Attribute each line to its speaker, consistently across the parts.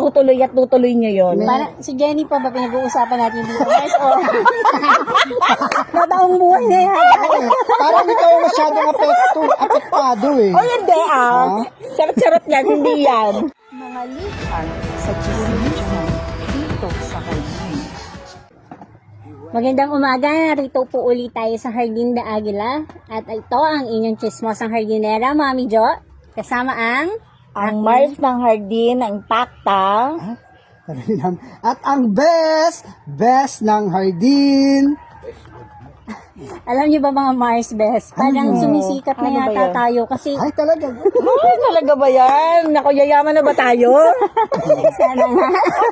Speaker 1: tutuloy niyo yun.
Speaker 2: Parang si Jenny pa ba pinag-uusapan natin dito? Guys, nataong buhay na yan.
Speaker 3: Parang ikaw masyadong apektado eh.
Speaker 1: Oh, hindi Charot-charot yan, hindi yan.
Speaker 4: Mga likan sa chismisan dito sa Hardin.
Speaker 2: Magandang umaga, narito po ulit tayo sa Hardin de Aguila. At ito ang inyong chismosang hardinera, Mami Jo. Kasama
Speaker 1: Ang Mars ng Hardin, ang Impacta.
Speaker 3: At ang best ng Hardin.
Speaker 2: alam niyo ba mga Mars Best? Parang sumisikat na
Speaker 1: Ano ba
Speaker 2: yata
Speaker 1: yan?
Speaker 2: tayo kasi
Speaker 3: Ay, talaga.
Speaker 1: Ay, talaga ba yan? Naku, yayaman na ba tayo?
Speaker 2: sana nga.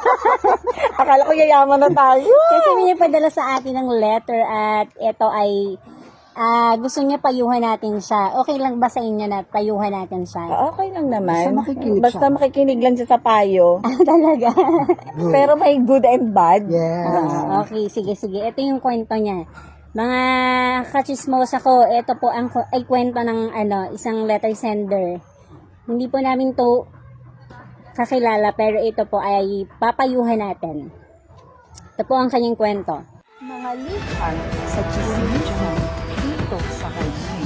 Speaker 1: Akala ko yayaman na tayo.
Speaker 2: Kasi may nagpadala sa atin ng letter at ito ay gusto niya payuhan natin siya. Okay lang ba sa inyo na payuhan natin siya?
Speaker 1: Okay lang naman.
Speaker 3: Basta makikinig
Speaker 1: Basta
Speaker 3: siya.
Speaker 1: makikinig lang siya sa payo.
Speaker 2: Talaga?
Speaker 1: Pero may good and bad.
Speaker 3: Yes.
Speaker 2: Okay, sige. Ito yung kwento niya. Mga kachismosa ko, ito po ay kwento ng isang letter sender. Hindi po namin to kakilala, pero ito po ay papayuhan natin. Ito po ang kanyang kwento.
Speaker 4: Mga likan sa chismisan dito sa Hardin.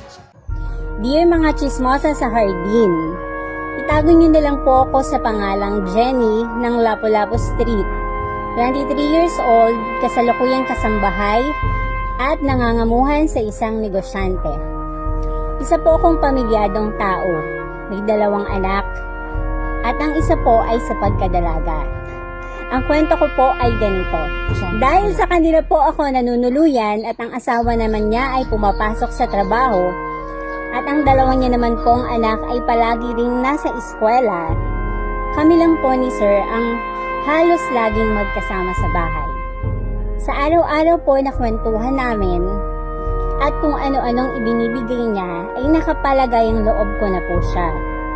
Speaker 2: Dear mga chismosa sa Hardin, itago niyo na lang po ako sa pangalang Jenny ng Lapu-Lapu Street. 23 years old, kasalukuyang kasambahay, at nangangamuhan sa isang negosyante. Isa po akong pamilyadong tao, may 2 anak, at ang isa po ay sa pagkadalaga. Ang kwento ko po ay ganito. Dahil sa kanila po ako nanunuluyan at ang asawa naman niya ay pumapasok sa trabaho, at ang 2 niya naman pong anak ay palagi ring nasa eskwela, kami lang po ni Sir ang halos laging magkasama sa bahay. Sa araw-araw po na kwentuhan namin at kung ano-anong ibinibigay niya ay nakapalagay ang loob ko na po siya.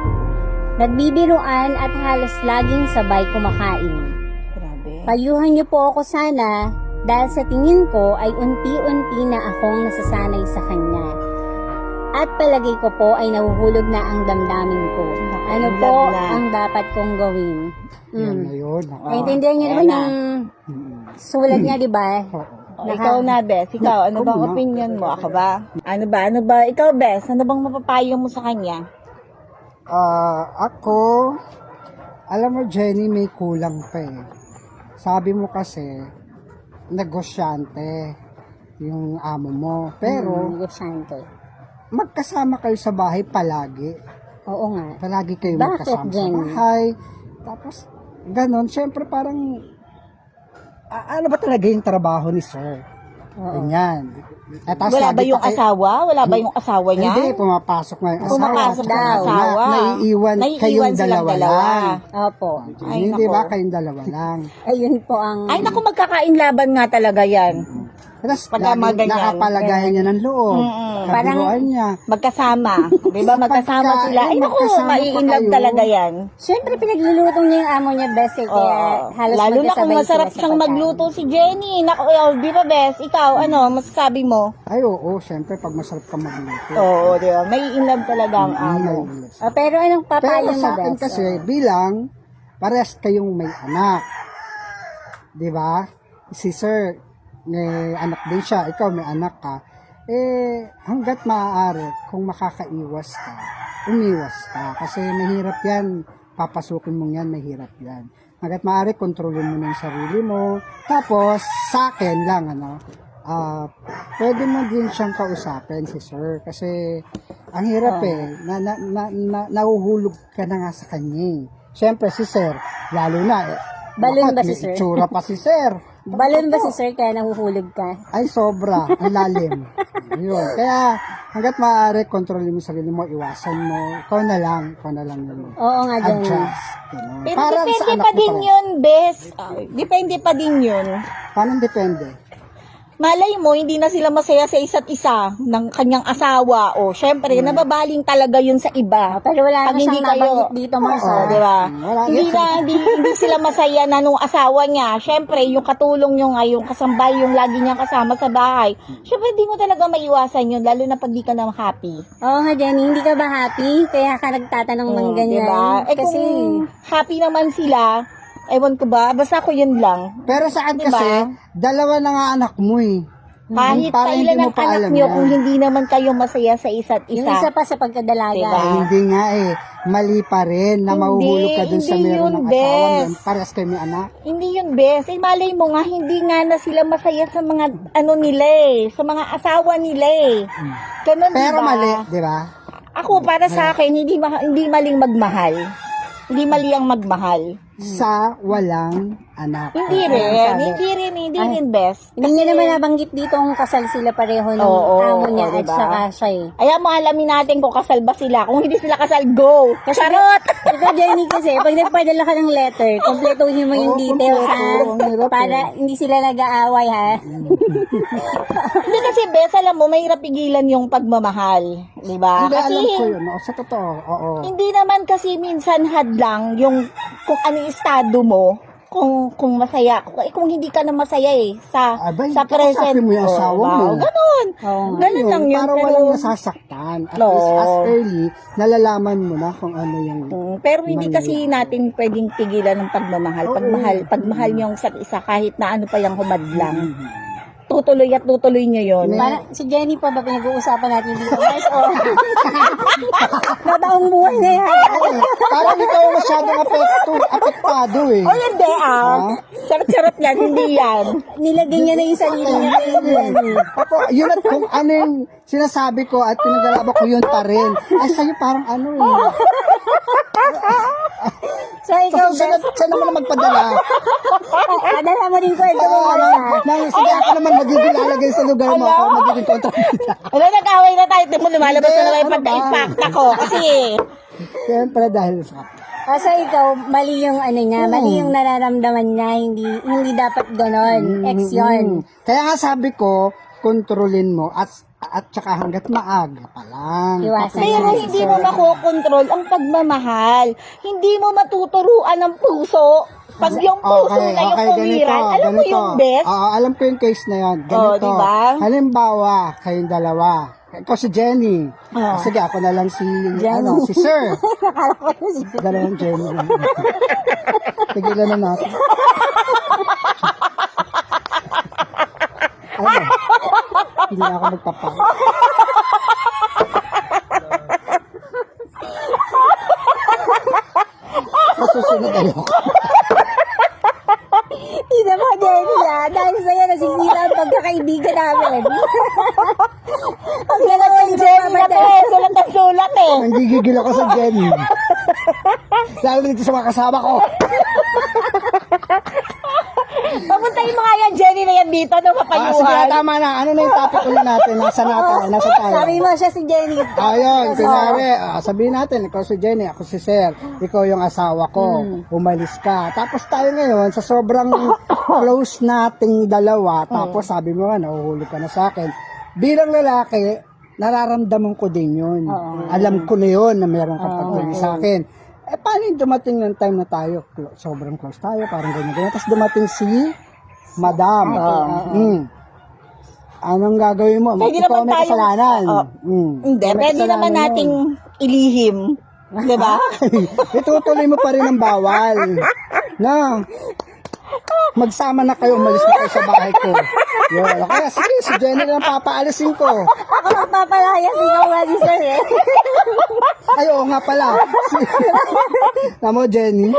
Speaker 2: Nagbibiruan at halos laging sabay kumakain.
Speaker 1: Grabe.
Speaker 2: Payuhan niyo po ako sana dahil sa tingin ko ay unti-unti na akong nasasanay sa kanya. At palagay ko po ay nahuhulog na ang damdamin ko. Ano po
Speaker 1: na.
Speaker 2: ang dapat kong gawin?
Speaker 3: Yan na yun.
Speaker 2: Naintindihan niyo naman yung sulat niya, di ba?
Speaker 1: Ikaw na, Bes. Ikaw, ano bang opinion mo? Ako ba? Ano ba? Ikaw, Bes, ano bang mapapayo mo sa kanya?
Speaker 3: Ako, alam mo Jenny, may kulang pa eh. Sabi mo kasi, negosyante yung amo mo. Pero,
Speaker 2: Negosyante.
Speaker 3: magkasama kayo sa bahay palagi.
Speaker 2: Oo nga.
Speaker 3: Palagi kayo
Speaker 2: Bakit,
Speaker 3: magkasama sa
Speaker 2: Jenny?
Speaker 3: bahay. Tapos, ganon. Siyempre, parang, ano ba talaga yung trabaho ni Sir? Ganyan. At tapos
Speaker 1: Wala ba
Speaker 3: lagi
Speaker 1: yung
Speaker 3: pa kayo-
Speaker 1: asawa? Wala ba yung asawa niya?
Speaker 3: Hindi, pumapasok na yung asawa.
Speaker 1: Pumapasok na yung
Speaker 3: Tapos
Speaker 1: asawa.
Speaker 3: Naiiwan kayong
Speaker 1: silang
Speaker 3: dalawa lang.
Speaker 2: Opo.
Speaker 1: Ay,
Speaker 3: Hindi
Speaker 1: nako.
Speaker 3: ba kayong dalawa lang?
Speaker 2: Ayun po ang...
Speaker 1: Ay, naku, magkakainlaban nga talaga yan.
Speaker 3: Tapos
Speaker 1: Pagka mga
Speaker 3: lagi
Speaker 1: ganyan.
Speaker 3: nakapalagayan niya ng loob. Kabiruan niya.
Speaker 1: Magkasama. Di ba? Magkasama
Speaker 3: Pagka-
Speaker 1: sila. Ay, naku,
Speaker 3: magkasama pa
Speaker 1: maiinlove
Speaker 3: kayo.
Speaker 1: talaga yan.
Speaker 2: Siyempre, pinagluluto niya yung amo niya, best eh. Kaya halos
Speaker 1: Lalo na kung
Speaker 2: magkasabay
Speaker 1: masarap
Speaker 2: sila sa
Speaker 1: siyang
Speaker 2: pagkain.
Speaker 1: magluto si Jenny. Naku, di ba, Bes? Ikaw, ano, masasabi mo?
Speaker 3: Ay, oo, syempre, pag masarap ka magluto.
Speaker 1: Oo, di ba? May inlove talaga ang amo.
Speaker 2: Pero anong papayo
Speaker 3: Pero
Speaker 2: mo,
Speaker 3: sa akin
Speaker 2: best?
Speaker 3: kasi, bilang, parehas kayong may anak. Di ba? Si Sir, may anak din siya. Ikaw, may anak ka. Hanggat maaari, kung makakaiwas ka, umiwas ka. Kasi mahirap yan. Papasukin mo yan, mahirap yan. Hanggat maaari, kontrolin mo na yung sarili mo. Tapos, sa akin lang, pwede mo din siyang kausapin si Sir. Kasi, ang hirap nahuhulog ka na nga sa kanya. Siyempre, si Sir, lalo na,
Speaker 2: Balon ba
Speaker 3: bakit?
Speaker 2: si Sir?
Speaker 3: May itsura pa si Sir.
Speaker 2: Balon ba si Sir kaya nahuhulog ka?
Speaker 3: Ay, sobra. Ang lalim. Yun. Kaya, hanggat maaari, kontrolin mo sarili mo, iwasan mo. Ikaw na lang yun.
Speaker 2: Oo nga, Jenny.
Speaker 3: Adjust. Ganun.
Speaker 1: Pero
Speaker 3: Para sa
Speaker 1: depende
Speaker 3: anak
Speaker 1: pa
Speaker 3: mo
Speaker 1: din
Speaker 3: rin.
Speaker 1: yun, Bes. Depende pa din yun.
Speaker 3: Paano depende?
Speaker 1: malay mo, hindi na sila masaya sa isa't isa ng kanyang asawa. O, syempre, nababaling talaga yun sa iba.
Speaker 2: Pero wala
Speaker 1: Pag
Speaker 2: na
Speaker 1: hindi
Speaker 2: siyang
Speaker 1: kayo-
Speaker 2: nabanggit dito, Mars.
Speaker 1: Oo, di ba?
Speaker 3: Wala.
Speaker 1: Hindi sila masaya na nung asawa niya. Syempre, yung katulong nyo nga, yung kasambay, yung lagi niyang kasama sa bahay. Syempre, hindi mo talaga maiwasan yun, lalo na pag di ka na happy.
Speaker 2: Oo nga, Jenny, hindi ka ba happy? Kaya ka nagtatanong ng ganyan.
Speaker 1: Diba? Eh
Speaker 2: Kasi,
Speaker 1: kung happy naman sila, ewan ko ba, basta ako yun lang.
Speaker 3: Pero saan
Speaker 1: Diba?
Speaker 3: kasi, dalawa na nga anak mo eh.
Speaker 1: Kahit
Speaker 3: Parang hindi
Speaker 1: kailan
Speaker 3: mo
Speaker 1: ang
Speaker 3: pa
Speaker 1: anak
Speaker 3: alam
Speaker 1: nyo,
Speaker 3: yan.
Speaker 1: kung hindi naman kayo masaya sa isa't
Speaker 2: yung isa
Speaker 1: isa.
Speaker 2: pa sa pagkadalaga.
Speaker 1: Diba?
Speaker 3: Hindi nga eh. Mali pa rin na
Speaker 1: Hindi,
Speaker 3: mahuhulog ka dun sa
Speaker 1: hindi
Speaker 3: meron
Speaker 1: yun,
Speaker 3: ng asawa
Speaker 1: bes.
Speaker 3: nun. Parehas kayo may anak.
Speaker 1: Hindi yun, bes. Eh, malay mo nga, hindi nga na sila masaya sa mga, ano nila eh, sa mga asawa nila eh. Ganun,
Speaker 3: Pero
Speaker 1: diba?
Speaker 3: mali, di ba?
Speaker 1: Ako, para sa akin, hindi maling magmahal. Hindi mali ang magmahal.
Speaker 3: Sa walang anak.
Speaker 1: Hindi rin, bes.
Speaker 2: Hindi niya naman nabanggit dito kung kasal sila pareho ng
Speaker 1: Oo,
Speaker 2: amo niya
Speaker 1: oo,
Speaker 2: at
Speaker 1: diba?
Speaker 2: saka siya eh.
Speaker 1: Ayan mo, alamin natin kung kasal ba sila. Kung hindi sila kasal, go! Charot!
Speaker 2: Ito, Jenny, kasi pag nagpadala ka ng letter, kompletuhin mo yung
Speaker 3: Oo,
Speaker 2: details ha.
Speaker 3: kompleto. Ang hirap
Speaker 2: Para hindi sila nag-aaway ha.
Speaker 1: Hindi kasi, bes, alam mo, mahirap pigilan yung pagmamahal. Diba?
Speaker 3: Hindi,
Speaker 1: Kasi,
Speaker 3: alam ko yun. Oo, sa totoo. Oo.
Speaker 1: hindi naman kasi minsan hadlang yung kung ano yung estado mo, kung masaya, kung hindi ka na masaya eh, sa
Speaker 3: Abay,
Speaker 1: present.
Speaker 3: kausapin mo yung asawa mo.
Speaker 1: Ganun.
Speaker 2: Oo.
Speaker 1: Ganun lang yun.
Speaker 3: Para
Speaker 1: Pero,
Speaker 3: walang nasasaktan. At
Speaker 1: No.
Speaker 3: least as early, nalalaman mo na kung ano yung...
Speaker 1: pero hindi kasi natin pwedeng pigilan ng pagmamahal. Pagmahal niyo ang isa't isa kahit na ano pa yung humadlang. Tutuloy at tutuloy niyo yun.
Speaker 2: Parang si Jenny pa ba pinag-uusapan natin dito? Guys, oh. Nataong buhay na yan.
Speaker 3: Parang ikaw masyadong apektado eh.
Speaker 1: O hindi Charot-charot yan, hindi yan.
Speaker 2: Nilagay niya na yung sarili niya kay Jenny.
Speaker 3: Ako, yun at kung ano yung sinasabi ko at pinaglalaba ko yun pa rin. Ay, sa'yo parang ano eh.
Speaker 2: So, ikaw,
Speaker 3: Kasi
Speaker 2: best,
Speaker 3: siya naman ang magpadala.
Speaker 2: padala mo rin kwento mo muna.
Speaker 3: Sige, ako naman magiging lalagay sa lugar mo. Ako magiging kontrabida.
Speaker 1: Ano, nag-away na tayo. Tingnan mo, lumalabas na naman yung
Speaker 3: Ano ba?
Speaker 1: pagka-impact ako. Kasi,
Speaker 3: Siyempre dahil sa...
Speaker 2: So, ikaw, mali yung ano niya, mali yung nararamdaman niya, hindi dapat ganon. Ex yun.
Speaker 3: Kaya nga sabi ko, kontrolin mo at saka hanggat maaga pa lang.
Speaker 2: Iwasan
Speaker 1: pero
Speaker 2: niya.
Speaker 1: hindi mo makokontrol ang pagmamahal. Hindi mo matuturuan ng puso. Pag yung puso na yung kumiran, alam mo yung best?
Speaker 3: Oo, alam ko yung case na yun.
Speaker 1: Oo,
Speaker 3: Ganito.
Speaker 1: diba?
Speaker 3: Halimbawa, kayong dalawa. Ikaw si Jenny.
Speaker 1: Oo.
Speaker 3: Sige, ako na lang si,
Speaker 2: Jenny.
Speaker 3: si Sir.
Speaker 2: Akala ko na si
Speaker 3: Dalawang Jenny. Tigilan na natin. Ano? Hindi na ako magpapa. Sa susunod ayoko.
Speaker 2: Hindi naman, Jenny dahil sa'yo nasisira ang pagkakaibigan namin.
Speaker 1: Sila naman Jenny na to eh. Sulat ang sulat eh.
Speaker 3: Nanggigigil ako sa Jenny. Lalo dito sa mga kasama ko.
Speaker 1: Papuntahin mo nga yan, Jenny na yan dito. Ano
Speaker 3: Sige,
Speaker 1: kapayuhan?
Speaker 3: tama na. Ano na yung topic ulit natin? Nasa tayo.
Speaker 2: Sabi mo siya si Jenny.
Speaker 3: Ayun, kunwari, sabihin natin, ikaw si Jenny, ako si Sir, ikaw yung asawa ko, umalis ka. Tapos tayo ngayon, sa sobrang close nating dalawa, tapos sabi mo nga, nahuhuli ka na sa akin. Bilang lalaki, nararamdaman ko din yun. Alam ko na yun na meron kang pagpili sa akin. Eh, paano yung dumating ng time na tayo, sobrang close tayo, parang ganyan. Tapos dumating si Madam. Anong gagawin mo?
Speaker 1: Pwede
Speaker 3: Ikaw
Speaker 1: naman
Speaker 3: may
Speaker 1: tayong-
Speaker 3: kasalanan.
Speaker 1: Hindi,
Speaker 3: May
Speaker 1: pwede
Speaker 3: kasalanan
Speaker 1: naman
Speaker 3: yun.
Speaker 1: nating ilihim. Diba?
Speaker 3: Itutuloy mo pa rin ang bawal. Na, magsama na kayo, umalis na kayo sa bahay ko. Yun. Kaya sige, si Jenny lang papaalisin ko.
Speaker 2: Ako magpapalayas, ikaw nga si Sir eh.
Speaker 3: Ay, oo nga pala. Tamo, Jenny.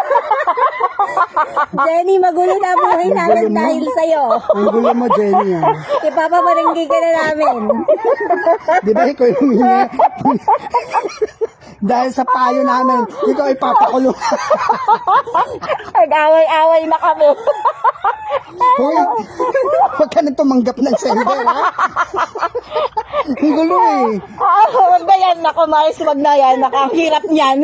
Speaker 2: Jenny, magulo na buhay namin
Speaker 3: Magulo mo.
Speaker 2: dahil sa'yo.
Speaker 3: Ang gulo mo, Jenny. Ah.
Speaker 2: Ipapabarangay ka na namin.
Speaker 3: Di ba ikaw yung dahil sa payo namin, ikaw ipapakulong.
Speaker 1: Nag-away-away na kami.
Speaker 3: Hoy, huwag ka nang tumanggap ng sender, ha? Ang gulo eh.
Speaker 1: Huwag na yan. Naku, Mars, huwag na yan. Nakahirap niyan.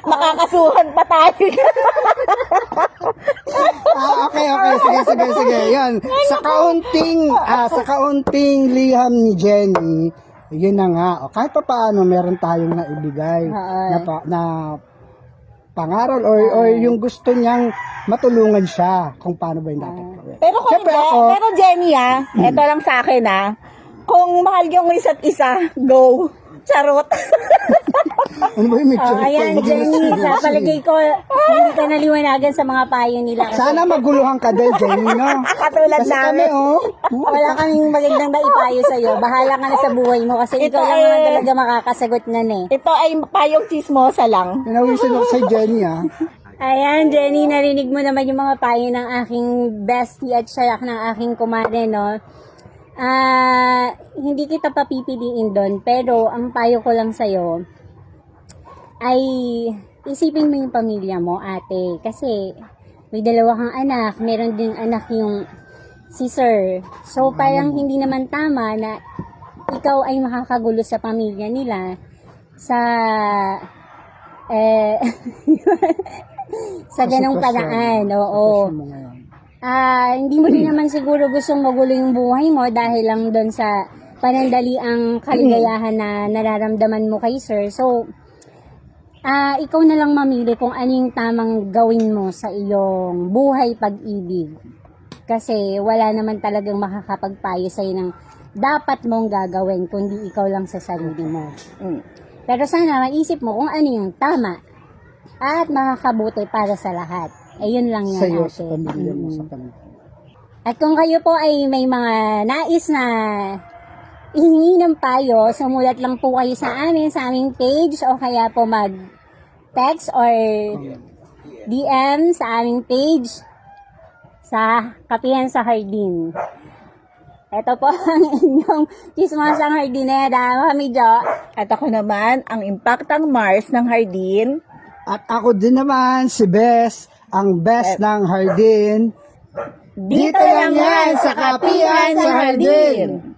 Speaker 1: Makakasuhan pa tayo.
Speaker 3: Okay. Sige. Ayan, sa kaunting liham ni Jenny, yun na nga. O, kahit pa paano, meron tayong naibigay na pangaral or yung gusto niyang matulungan siya kung paano ba yung dapat gawin.
Speaker 1: Pero kung
Speaker 3: Siyempre
Speaker 1: hindi,
Speaker 3: ako-
Speaker 1: pero Jenny eto lang sa akin kung mahal yung isa't isa, go. Charot.
Speaker 3: Ano ba yung mixture?
Speaker 2: Ayan, Jenny, sa palagay ko, hindi ka naliwanagan sa mga payo nila.
Speaker 3: Sana maguluhan ka din, Jenny, no?
Speaker 1: Katulad
Speaker 3: Kasi kami,
Speaker 1: namin.
Speaker 2: Wala kaming magandang maipayo sa'yo. Bahala ka na sa buhay mo kasi
Speaker 1: Ito
Speaker 2: ikaw lang
Speaker 1: ay-
Speaker 2: naman talaga makakasagot na eh.
Speaker 1: Ito ay payong chismosa lang.
Speaker 3: Pinawisin ako sa Jenny,
Speaker 2: Ayan, Jenny, narinig mo naman yung mga payo ng aking bestie at siyak ng aking kumare, no? Hindi kita papipiliin doon, pero ang payo ko lang sa'yo ay isipin mo yung pamilya mo, ate. Kasi may dalawa kang anak, meron din anak yung si sir. So, parang hindi naman tama na ikaw ay makakagulo sa pamilya nila sa sa ganong paraan. Oo.
Speaker 3: Sitwasyon mo ngayon.
Speaker 2: Hindi mo din naman siguro gustong magulo yung buhay mo dahil lang doon sa panandaliang kaligayahan na nararamdaman mo kay sir. So, ikaw na lang mamili kung ano yung tamang gawin mo sa iyong buhay pag-ibig. Kasi wala naman talagang makakapagpayo sa'yo ng dapat mong gagawin kundi ikaw lang sa sarili mo. Pero sana maisip mo kung ano yung tama at makakabuti para sa lahat. Ayun lang yan,
Speaker 3: Sa'yo,
Speaker 2: ate.
Speaker 3: sa pamilya mo, sa pamilya.
Speaker 2: At kung kayo po ay may mga nais na ihingi ng payo, sumulat lang po kayo sa aming page o kaya po mag-text or DM sa aming page sa Kapihan sa Hardin. Ito po ang inyong chismosang hardinera, kami Jo.
Speaker 1: At ako naman, ang impactang Mars ng Hardin.
Speaker 3: At ako din naman, si Bes, ang best ng Hardin. Dito lang yan sa Kapihan sa Hardin.